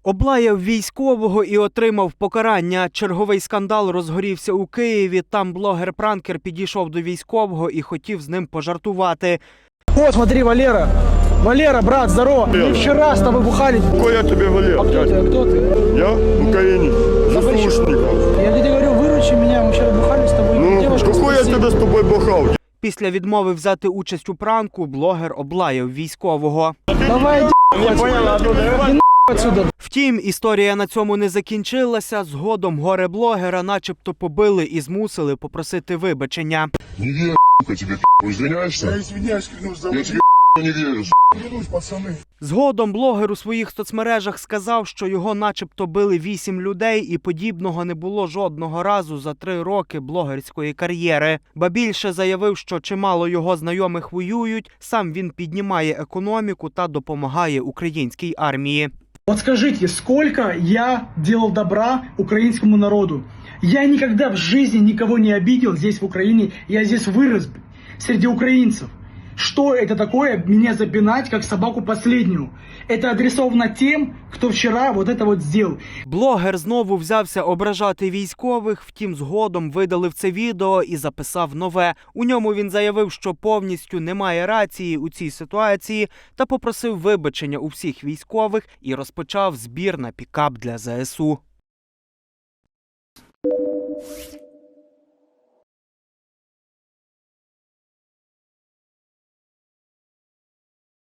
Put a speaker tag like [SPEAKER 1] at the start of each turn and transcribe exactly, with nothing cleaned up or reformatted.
[SPEAKER 1] Облаяв військового і отримав покарання. Черговий скандал розгорівся у Києві. Там блогер-пранкер підійшов до військового і хотів з ним пожартувати.
[SPEAKER 2] О, смотри, Валера. Валера, брат, здорово. Мы вчера с тобой бухали.
[SPEAKER 3] Какой я тебе Валера?
[SPEAKER 2] А кто ты? А кто ты?
[SPEAKER 3] Я в Украине. Заслушников.
[SPEAKER 2] Я тебе говорю, выручи меня. Мы вчера бухали с тобой.
[SPEAKER 3] Ну,
[SPEAKER 2] Девушка
[SPEAKER 3] какой я
[SPEAKER 2] спросила.
[SPEAKER 3] тебе с тобой бухал?
[SPEAKER 1] Після відмови взяти участь у пранку блогер облаяв військового.
[SPEAKER 2] Давай, иди отсюда.
[SPEAKER 1] Втім, історія на цьому не закінчилася. Згодом горе-блогера начебто побили і змусили попросити вибачення.
[SPEAKER 4] Не верю, сука, тебе, извиняешься?
[SPEAKER 3] Я извиняюсь, клянусь, за
[SPEAKER 4] Я тебе, не верю,
[SPEAKER 3] клянусь, пацаны.
[SPEAKER 1] Згодом блогер у своїх соцмережах сказав, що його начебто били вісім людей і подібного не було жодного разу за три роки блогерської кар'єри. Ба більше заявив, що чимало його знайомих воюють, сам він піднімає економіку та допомагає українській армії.
[SPEAKER 2] Вот скажите, сколько я делал добра украинскому народу? Я никогда в жизни никого не обидел здесь, в Украине. Я здесь вырос среди украинцев. Что это такое, меня запинать, как собаку последнюю? Это адресовано тем, кто вчера вот это вот сделал.
[SPEAKER 1] Блогер знову взявся ображати військових, втім згодом видалив це відео і записав нове. У ньому він заявив, що повністю немає рації у цій ситуації та попросив вибачення у всіх військових і розпочав збір на пікап для зе ес у.